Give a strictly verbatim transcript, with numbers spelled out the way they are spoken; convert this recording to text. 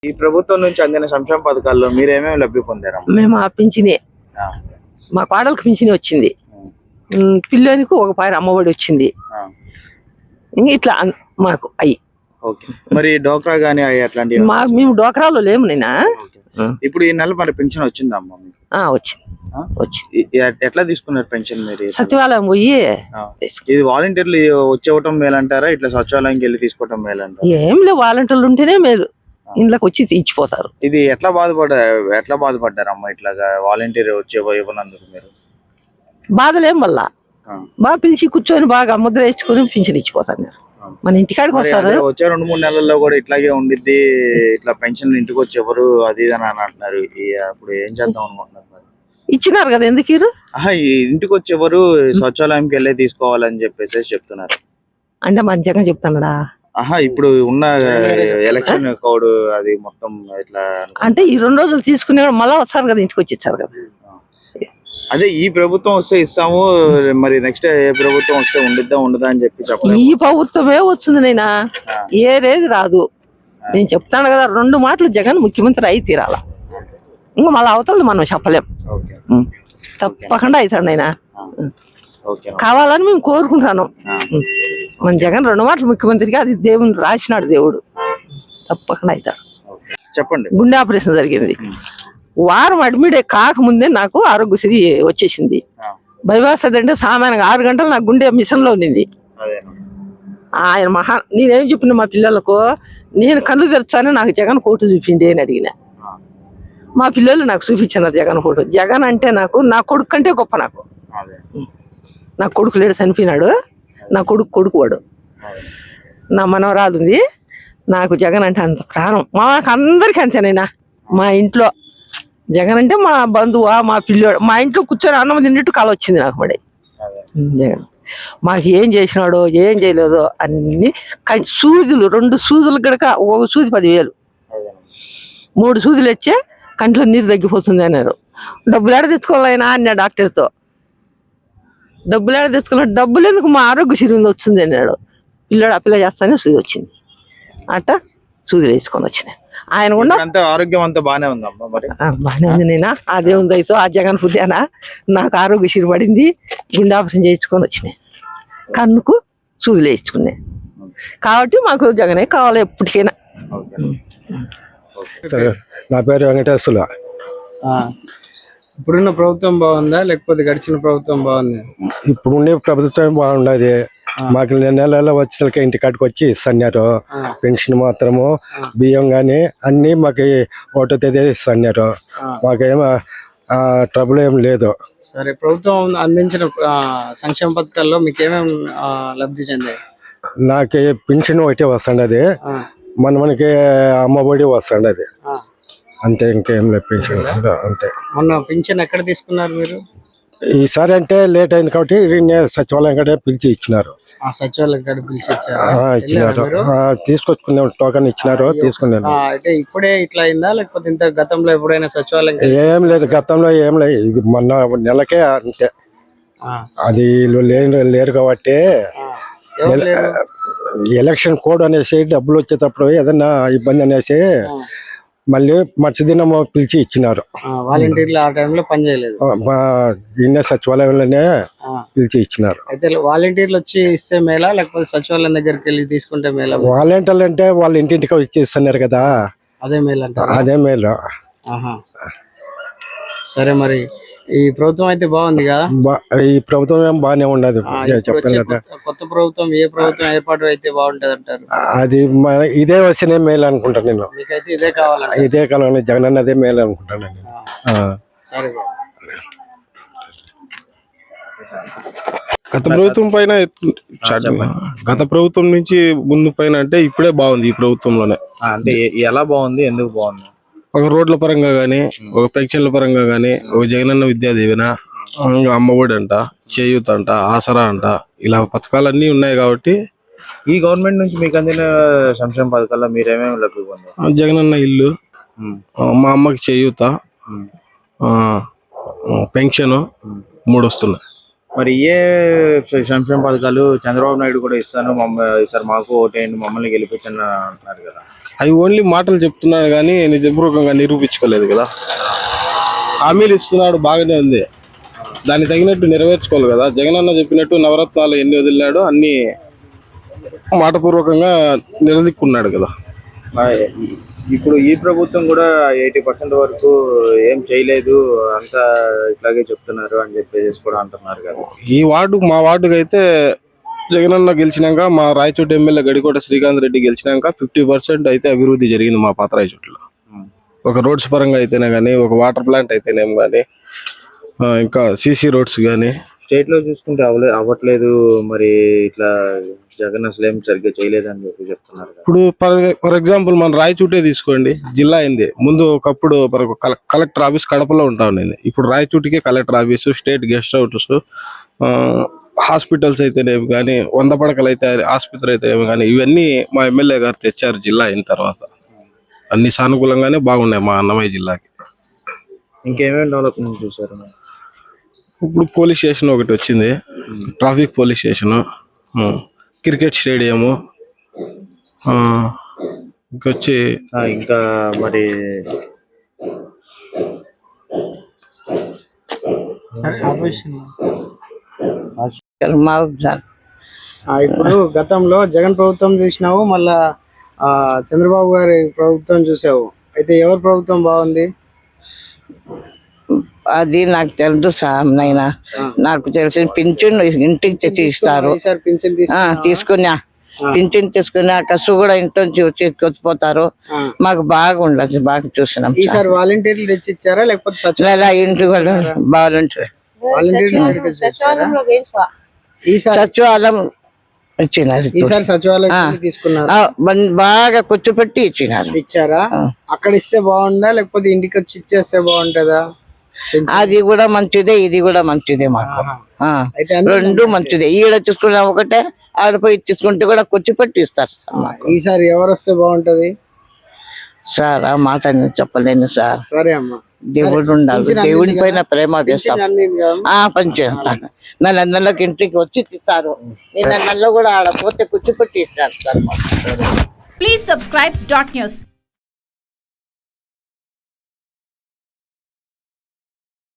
ఈ ప్రభుత్వం నుంచి అందిన సంక్షేమ పథకాల్లో మీరేమేమి లబ్ధి పొందారు? మేము ఆ పింఛనే, మా కోడలకు పింఛని వచ్చింది, పిల్లోనికి ఒక పారి అమ్మఒడి వచ్చింది, ఇంకా ఇట్లా మాకు అయ్యి. మరి డోక్రా గానీ అట్లాంటి మా మేము డోక్రాలో లేము నేనా. ఇప్పుడు ఈ నెల మరి పెన్షన్ వచ్చిందమ్మా? వచ్చింది వచ్చింది. ఎట్లా తీసుకున్నారు పెన్షన్ మీరు? సచివాలయం పోయి. ఇది వాలంటీర్లు వచ్చేవటం మేలంటారా, ఇట్లా సచివాలయంకి వెళ్ళి తీసుకోవటం మేలంటారా? ఏం లేవు, వాలంటీర్లు ఉంటేనే మేలు, ఇంట్లోకి వచ్చి తీర్చిపోతారు. ఇది ఎట్లా బాధపడ్డారు ఎట్లా బాధపడ్డారు అమ్మ ఇట్లాగా వాలంటీర్ వచ్చే ఇవ్వనందుకు? మీరు బాధలేం మళ్ళా బాగా పిలిచి కూర్చొని బాగా ముద్ర వేసుకొని పింఛన్ ఇచ్చిపోతారు. మన ఇంటికాడికి వస్తారు. వచ్చే రెండు మూడు నెలల్లో కూడా ఇట్లాగే ఉండిద్ది, ఇట్లా పెన్షన్ ఇంటికి వచ్చి ఎవరు అది అని అంటున్నారు. అప్పుడు ఏం చేద్దాం అనుకుంటున్నారు? ఇచ్చినారు కదా, ఎందుకు ఇంటికి వచ్చి ఎవరు సచివాలయంకి వెళ్ళే తీసుకోవాలని చెప్పేసి చెప్తున్నారు. అంటే మంచిగా చెప్తున్నాడా? ఆహా, ఇప్పుడు ఉన్న ఎలక్షన్ కోడ్ అది మొత్తం ఇట్లా అంటే ఈ రెండు రోజులు తీసుకునే మళ్ళా వస్తారు కదా, ఇంటికి వచ్చి ఇచ్చారు కదా. అదే ఈ ప్రభుత్వం వస్తే ఇస్తాము, మరి నెక్స్ట్ ఏ ప్రభుత్వం వస్తే ఉండిద్దా ఉండదా అని చెప్పి చెప్పాలి. ఈ ప్రభుత్వమే వచ్చింది నైనా, ఏరేది రాదు. నేను చెప్తాను కదా, రెండు మాటలు జగన్ ముఖ్యమంత్రి అయి తీరాల, ఇంకా మళ్ళీ అవతల మనం చెప్పలేం. తప్పకుండా అవుతాడు నైనా, కావాలని మేము కోరుకుంటాను. మన జగన్ రెండు మాటలు ముఖ్యమంత్రిగా, అది దేవుని రాసినాడు దేవుడు, తప్పకుండా అవుతాడు. చెప్పండి. గుండె ఆపరేషన్ జరిగింది, వారం అడ్మిట్ కాకముందే నాకు ఆరోగ్యశ్రీ వచ్చేసింది. బైపాస్ అంటే సామాన్యంగా ఆరు గంటలు నాకు గుండె మిషన్ లో ఉండింది. ఆయన మహా నేనేం చెప్పిన మా పిల్లలకు, నేను కళ్ళు తెరచానే నాకు జగన్ ఫోటో చూపిండి అని అడిగిన. మా పిల్లలు నాకు చూపించినారు జగన్ ఫోటో. జగన్ అంటే నాకు నా కొడుకు కంటే గొప్ప. నాకు నా కొడుకు లేడు, చనిపోయినాడు. నా కొడుకు కొడుకు వాడు, నా మనవరాలు ఉంది. నాకు జగన్ అంటే అంత ప్రాణం. మాకు అందరికీ అంతేనైనా. మా ఇంట్లో జగన్ అంటే మా బంధువా, మా పిల్లోడు. మా ఇంట్లో కూర్చొని అన్నం తిన్నట్టు కళ వచ్చింది నాకు. మరి జగన్ మాకు ఏం చేసినాడో ఏం చేయలేదో అన్ని. సూదులు రెండు సూదులు గడక ఒక సూది పదివేలు, మూడు సూదులు వచ్చే కంట్లో నీరు తగ్గిపోతుంది అన్నారు. డబ్బులు ఏడ తెచ్చుకోవాలైనా అన్నా డాక్టర్తో. డబ్బులు ఏడ తెచ్చుకున్నా, డబ్బులు ఎందుకు, మా ఆరోగ్యశ్రీ వచ్చింది అన్నాడు. పిల్లడు అప్లై చేస్తానే సూది వచ్చింది. అట్ట సూదులు వేసుకొని వచ్చినాయి. ఆయన కూడా ఆరోగ్యం అంతా బాగానే ఉందమ్మా? మరి బాగానే ఉంది నేనా, అదే ఉంది అయితే ఆ జగన్ పుద్దానా నాకు ఆరోగ్యశ్రీ పడింది. గుండె ఆపరేషన్ చేయించుకొని వచ్చినాయి, కన్నుకు సూదులు వేయించుకున్నాయి. కాబట్టి మాకు జగనే కావాలి ఎప్పటికైనా. నా పేరు వెంకటేశ్వర. ఇప్పుడున్న ప్రభుత్వం బాగుందా లేకపోతే గడిచిన ప్రభుత్వం బాగుంది? ఇప్పుడున్న ప్రభుత్వం బాగుండదు. మాకు నెల నెల వచ్చేసరికి ఇంటికాడికి వచ్చి ఇస్తున్నారు. పెన్షన్ మాత్రము, బియ్యం గాని అన్ని మాకు ఒకటో తేదీ ఇస్తున్నారు. మాకేమో ట్రబుల్ ఏం లేదు. సరే, ప్రభుత్వం అందించిన సంక్షేమ పథకాల్లో మీకు ఏమేమి లబ్ధి చెందాయి? నాకు పెన్షన్ ఒకటే వస్తుండది, మన మనకి అమ్మఒడి వస్తుండది, అంతే. ఇంకేం లేదు పెన్షన్ అంతే. మొన్న పెన్షన్ ఎక్కడ తీసుకున్నారు మీరు? ఈసారి అంటే లేట్ అయింది కాబట్టి సచివాలయం కాడ పిలిచి ఇచ్చినారు. సచివాలయం కాడ పిలిచి ఇచ్చినారు, తీసుకొచ్చుకునే టోకన్ ఇచ్చినారు, తీసుకున్నాను. అంటే ఇప్పుడే ఇట్లా అయిందా లేకపోతే ఇంత గతంలో ఎప్పుడైనా సచివాలయం? ఏం లేదు, గతంలో ఏం లేదు, ఇది మొన్న నెలకే అంతే. అది వీళ్ళు లేరు లేరు కాబట్టి ఎలక్షన్ కోడ్ అనేసి డబ్బులు వచ్చేటప్పుడు ఏదన్నా ఇబ్బంది అనేసి మళ్ళీ మర్చిదినం పిలిచి ఇచ్చినారు. వాలంటీర్లు ఆ టైంలో పని చేయలేదు, మా దీన్నే సచివాలయంలోనే పిలిచి ఇచ్చినారు. అయితే వాలంటీర్లు వచ్చి ఇస్తే మేలా లేకపోతే సచివాలయం దగ్గరికి వెళ్ళి తీసుకుంటే మేలా? వాలంటీర్లు అంటే వాళ్ళు ఇంటింటికి వచ్చి ఇస్తున్నారు కదా, అదే మేలు అంటారు. అదే మేలు. సరే, మరి ఈ ప్రభుత్వం అయితే బాగుంది కదా? ఈ ప్రభుత్వం ఏం బాగానే ఉండదు. కొత్త ప్రభుత్వం ఏ ప్రభుత్వం ఏర్పాటు అయితే బాగుంటది అంటారు? అది ఇదే వచ్చినే మేలు అనుకుంటాను నేను. మీకైతే ఇదే కావాలి? ఇదే కావాలని జగన్ అన్న అదే మేలు అనుకుంటాను నేను. సరే, గత ప్రభుత్వం పైన గత ప్రభుత్వం నుంచి ముందు పైన అంటే ఇప్పుడే బాగుంది ఈ ప్రభుత్వంలోనే. అంటే ఎలా బాగుంది, ఎందుకు బాగుంది? ఒక రోడ్ల పరంగా గానీ, ఒక పెన్షన్ల పరంగా గానీ, ఒక జగనన్న విద్యా దీవెన, అమ్మఒడి అంట, చేయూత అంట, ఆసరా అంట, ఇలా పథకాలన్నీ ఉన్నాయి కాబట్టి. ఈ గవర్నమెంట్ నుంచి మీకు అందిన సంక్షేమ పథకాల్లో మీరేమేమి లబ్ధి పొందారు? జగనన్న ఇల్లు, మా అమ్మకి చేయూత, పెన్షన్ మూడు వస్తున్నాయి. మరి ఏ సంక్షేమ పథకాలు చంద్రబాబు నాయుడు కూడా ఇస్తాను మమ్మల్ని ఈసారి మాకు ఓటేయండి మమ్మల్ని గెలిపించండి అంటున్నారు కదా? అవి ఓన్లీ మాటలు చెప్తున్నాడు కానీ నిజపూర్వకంగా నిరూపించుకోలేదు కదా. హామీలు ఇస్తున్నాడు బాగానే ఉంది, దాన్ని తగినట్టు నెరవేర్చుకోవాలి కదా. జగనన్న చెప్పినట్టు నవరత్నాలు ఎన్ని వదిలినాడో అన్ని మాటపూర్వకంగా నిలదీక్కున్నాడు కదా. మరి ఇప్పుడు ఈ ప్రభుత్వం కూడా ఎయిటీ పర్సెంట్ వరకు ఏం చేయలేదు, అంతా ఇట్లాగే చెప్తున్నారు అని చెప్పేసి కూడా అంటున్నారు కదా. ఈ వార్డు మా వార్డుకి అయితే జగనన్న గెలిచినాక, మా రాయచోటి ఎమ్మెల్యే గడికోట శ్రీకాంత్ రెడ్డి గెలిచినాక ఫిఫ్టీ పర్సెంట్ అయితే అభివృద్ధి జరిగింది మా పాత రాయచోటిలో. ఒక రోడ్స్ పరంగా అయితేనే కానీ, ఒక వాటర్ ప్లాంట్ అయితేనేం కానీ, ఇంకా సీసీ రోడ్స్ కానీ. స్టేట్ లో చూసుకుంటే అవలే అవ్వట్లేదు, మరి ఇట్లా జగన్ అసలు ఏం సరిగ్గా చేయలేదు అని చెప్పి చెప్తున్నారు కదా. ఇప్పుడు ఫర్ ఫర్ ఎగ్జాంపుల్ మన రాయచూటే తీసుకోండి, జిల్లా అయింది. ముందు ఒకప్పుడు మనకు కలెక్టర్ ఆఫీస్ కడపలో ఉంటా ఉండేది, ఇప్పుడు రాయచూటికే collector office, state guest house, hospitals అయితేనేమి కానీ, వంద పడకలు అయితే ఆసుపత్రి అయితేనేమి కానీ, ఇవన్నీ మా ఎమ్మెల్యే గారు తెచ్చారు జిల్లా అయిన తర్వాత. అన్ని సానుకూలంగానే బాగున్నాయి మా అన్నమయ్య జిల్లాకి. ఇంకేమేమి డెవలప్మెంట్ చూసారు? ఇప్పుడు పోలీస్ స్టేషన్ ఒకటి వచ్చింది, traffic police station, cricket stadium, ఇంకొచ్చి ఇంకా మరి ఆ, ఇప్పుడు గతంలో జగన్ ప్రభుత్వం చూసినావు, మళ్ళా ఆ చంద్రబాబు గారి ప్రభుత్వం చూసావు, అయితే ఎవరి ప్రభుత్వం బాగుంది? అది నాకు తెలుసు సార్, నైనా నాకు తెలిసి పింఛన్ ఇంటికి తెచ్చి ఇస్తారు. ఈసారి పింఛన్ తీసుకు ఆ, తీసుకున్నా పింఛన్ తీసుకున్నా కసు కూడా ఇంట్లో నుంచి వచ్చి వచ్చిపోతారు. మాకు బాగుండదు, బాగా చూసినాం. ఈసారి వాలంటీర్లు తెచ్చి ఇచ్చారా లేకపోతే సచివాలయం ఇలా ఇంటి కూడా బాగుంటారు. వాలంటీర్లు తెచ్చి ఇచ్చారా? ఈసారి సచివాలయం ఇచ్చినారు. ఈసారి సచివాలయం తీసుకున్నారు, ఆ, బన్- బాగా కూర్చోపెట్టి ఇచ్చినారు. ఇచ్చారా? అక్కడ ఇస్తే బాగుందా లేకపోతే ఇంటికి వచ్చి ఇచ్చేస్తే బాగుంటదా? అది కూడా మంచిదే, ఇది కూడా మంచిదే మాకు. ఆ, అయితే అన్ని రెండు మంచిదే. ఈడ తీసుకున్నా ఒకటే, ఆడపోయి తీసుకుంటే కూడా కూర్చోపెట్టి ఇస్తారు సార్ మాకు. ఈసారి ఎవరు వస్తే బాగుంటది? సార్ ఆ మాట నేను చెప్పలేను సార్. సరే అమ్మా, దేవుడు ఉండాలి, దేవుడి పైన ప్రేమ వేస్తాం. అందింది కదా? ఆ పని చేస్తాను. నెల నెలకి ఇంటికి వచ్చి ఇస్తారు, నిన్న నెల కూడా ఆడ పోతే కూర్చోపెట్టి ఇస్తారు సార్ మాకు. Please subscribe dot news.